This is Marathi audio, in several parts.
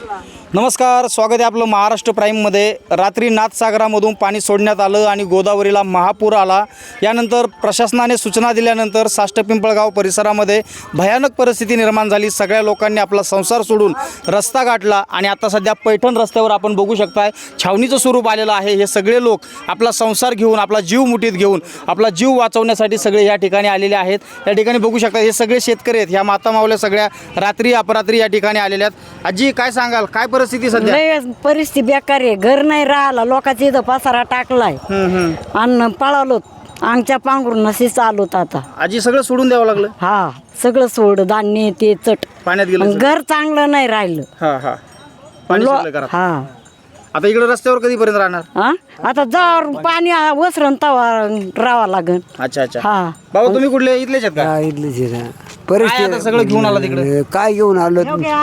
नमस्कार, स्वागत आहे आपलं महाराष्ट्र प्राईममध्ये. रात्री नाथसागरामधून पाणी सोडण्यात आलं आणि गोदावरीला महापूर आला. यानंतर प्रशासनाने सूचना दिल्यानंतर साष्ट पिंपळगाव परिसरामध्ये भयानक परिस्थिती निर्माण झाली. सगळ्या लोकांनी आपला संसार सोडून रस्ता गाठला आणि आता सध्या पैठण रस्त्यावर आपण बघू शकताय छावणीचं स्वरूप आलेलं आहे. हे सगळे लोक आपला संसार घेऊन, आपला जीव मुठीत घेऊन, आपला जीव वाचवण्यासाठी सगळे या ठिकाणी आलेले आहेत. या ठिकाणी बघू शकता हे सगळे शेतकरी आहेत. ह्या माता मावल्या सगळ्या रात्री अपरात्री या ठिकाणी आलेल्या आहेत. आजी, काय सांगाल, काय परिस्थिती सध्या? लय परिस्थिती बेकार आहे. घर नाही राहिला, लोकांच्या इथं पसारा टाकलाय अन्न पळालो, आमच्या पांघरून नसे चालवत. आता आजी, सगळं सोडून द्यावं लागलं? हा, सगळं सोड, धान्य ते चट पाण्यात गेलं. घर चांगलं नाही राहिलं. हा पाणी शिरलं घरात. हा, आता इकडे रस्त्यावर कधीपर्यंत राहणार? हा, आता जर पाणी वसरण तवा राहावा लागेल. अच्छा. हा, बाबा, तुम्ही कुठले? इथलेच आहेत का? इथलं काय आता सगळं घेऊन आला तिकडे? काय घेऊन आलो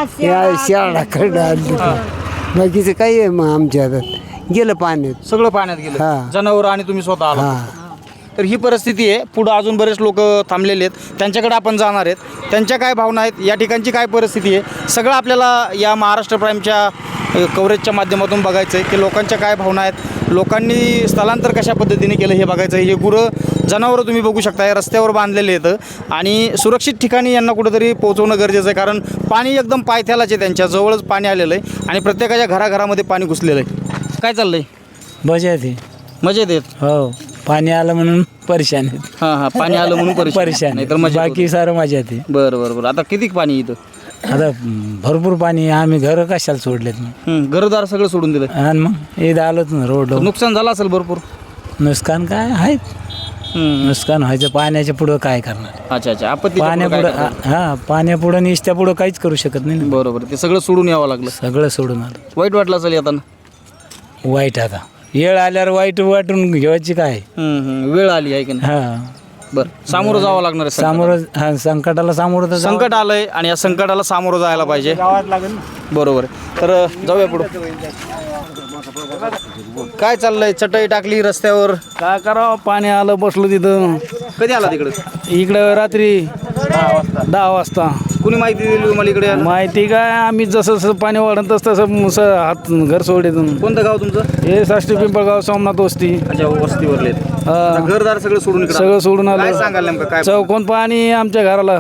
शाळाकडे आलो. बाकीचं काही आहे मग आमच्या हातात गेलं पाण्यात. सगळं पाण्यात गेलं, हा. जनावर आणि तुम्ही स्वतः आला. तर ही परिस्थिती आहे. पुढं अजून बरेच लोक थांबलेले आहेत, त्यांच्याकडे आपण जाणार आहेत. त्यांच्या काय भावना आहेत, या ठिकाणची काय परिस्थिती आहे, सगळं आपल्याला या महाराष्ट्र प्राईमच्या कव्हरेजच्या माध्यमातून बघायचं आहे की लोकांच्या काय भावना आहेत, लोकांनी स्थलांतर कशा पद्धतीने केलं हे बघायचं आहे. हे गुरं जनावरं तुम्ही बघू शकता रस्त्यावर बांधलेले आहेत आणि सुरक्षित ठिकाणी यांना कुठंतरी पोहोचवणं गरजेचं आहे, कारण पाणी एकदम पायथ्यालाच आहे, त्यांच्या जवळच पाणी आलेलं आहे आणि प्रत्येकाच्या घराघरामध्ये पाणी घुसलेलं आहे. काय चाललंय? मजेत आहे. मजेत आहेत? हो, पाणी आलं म्हणून परेशान आहेत. हां, पाणी आलं म्हणून परेशान नाही तर बाकी सारं मजेत आहे. बरं. आता किती पाणी इथं? आता भरपूर पाणी. आम्ही घर कशाला सोडलेत घरदार सगळं सोडून दिलं आणि मग इथं आलोच ना रोड. नुकसान झालं असेल भरपूर? नुकसान काय आहे, नुकसान व्हायचं. पाण्याच्या पुढं काय करणार? अच्छा. आपत्ती पाण्यापुढं पाण्यापुढं निसत्या पुढं काहीच करू शकत नाही ना. बरोबर. ते सगळं सोडून यावं लागलं. सगळं सोडून आलं. वाईट वाटलं असेल येताना? वाईट. आता येळ आल्यावर वाईट वाटून घ्यायची काय. वेळ आली आहे की नाही? हा, बरं. सामोरं जावं लागणार आहे. सामोरं संकटाला सामोरं तर संकट आलंय आणि या संकटाला सामोरं जायला पाहिजे. बरोबर. तर जाऊया पुढं. काय चाललंय? चटई टाकली रस्त्यावर, काय करावं, पाणी आलं, बसलो तिथं. कधी आला तिकडे? इकडं रात्री 10 वाजता. कुणी माहिती दिली तुम्हाला इकडे यायला? माहिती काय, आम्ही जसं जसं पाणी वाढत तसं हात घर सोडून. कोणतं गाव तुमचं? हे साष्टी पिंपळगाव, सोमनाथ वस्ती. अच्छा, वस्तीवरले. हा. घरदार सगळं सोडून इकडे सगळं सोडून काय आलं. सांगाल नेमकं काय? चौकोन पाणी आमच्या घराला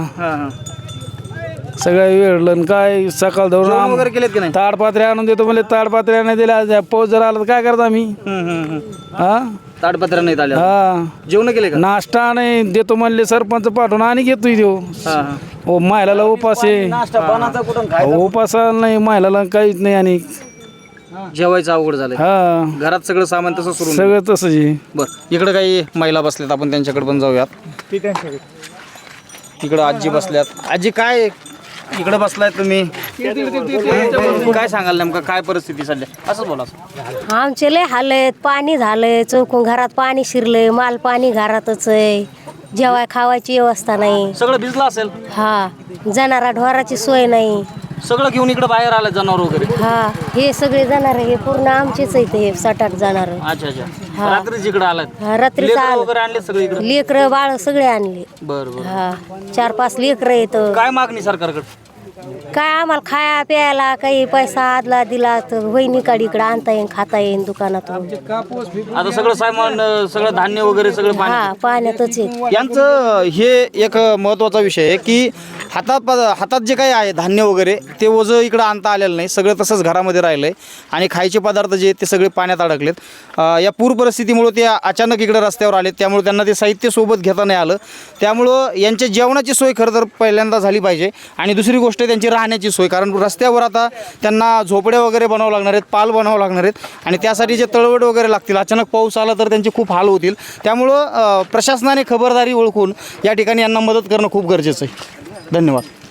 सगळं वेळलं. काय सकाळ जेवण धरून वगैरे केलेत की नाही? ताडपात्र्या आणून देतो म्हणजे ताडपात्र्या नाही दिल्या. पाऊस जर आला तर काय करतो आम्ही? हा, ताडपत्र नाही आले? हा, जेवण केले का? नाश्ता नाही देतो म्हणले सरपंच पाठवून आणि घेतोय देऊ. हो, महिलाला उपास आहे. उपास नाही महिलाला काहीच नाही आणि जेवायचं अवघड झालंय. हा, घरात सगळं सामान तसं सोडून. सगळं तसंच आहे. बरं, इकडे काही महिला बसल्यात, आपण त्यांच्याकडे पण जाऊयात. इकडं आजी बसल्यात. आजी, काय इकडे बसलाय तुम्ही? काय सांगाल नेमकं काय परिस्थिती सध्या? असंच बोला. आमचे लय हाल आहेत. पाणी झालंय, चौकून घरात पाणी शिरलंय, माल पाणी घरातच आहे, जेवाय खावायची व्यवस्था नाही. सगळं भिजलं असेल? हा, जनावरा ढोराची सोय नाही. सगळं घेऊन इकडे बाहेर आलं जनावर वगैरे? हा, हे सगळे जनावर हे पूर्ण आमचेच आहेत. हे 7-8 जनावर. अच्छा. रात्रीच इकडे आलात? रात्री वगैरे आणले सगळे इकडे? लेकरं बाळ सगळे आणले. बरं. हा, 4-5 लेकरं येत. काय मागणी सरकारकडे? काय आम्हाला खाया प्यायला काही पैसा आदला दिला तर वहिनी इकडे आणता येईन, खाता येईन दुकानातून. आता सगळं सामान, सगळं धान्य वगैरे सगळं हा, पाण्यातच आहे. यांचं हे एक महत्त्वाचा विषय आहे की हातात जे काही आहे धान्य वगैरे ते ओझं इकडं आणता आलेलं नाही. सगळं तसंच घरामध्ये राहिलं आहे आणि खायचे पदार्थ जे आहेत ते सगळे पाण्यात अडकलेत. या पूर परिस्थितीमुळं ते अचानक इकडं रस्त्यावर आलेत, त्यामुळे त्यांना ते साहित्य सोबत घेता नाही आलं. त्यामुळं यांच्या जेवणाची सोय खरं तर पहिल्यांदा झाली पाहिजे आणि दुसरी गोष्ट त्यांची राहण्याची सोय, कारण रस्त्यावर आता त्यांना झोपड्या वगैरे बनावं लागणार आहेत, पाल बनावं लागणार आहेत आणि त्यासाठी जे तळवट वगैरे लागतील. अचानक पाऊस आला तर त्यांचे खूप हाल होतील. त्यामुळं प्रशासनाने खबरदारी ओळखून या ठिकाणी यांना मदत करणं खूप गरजेचं आहे. धन्यवाद.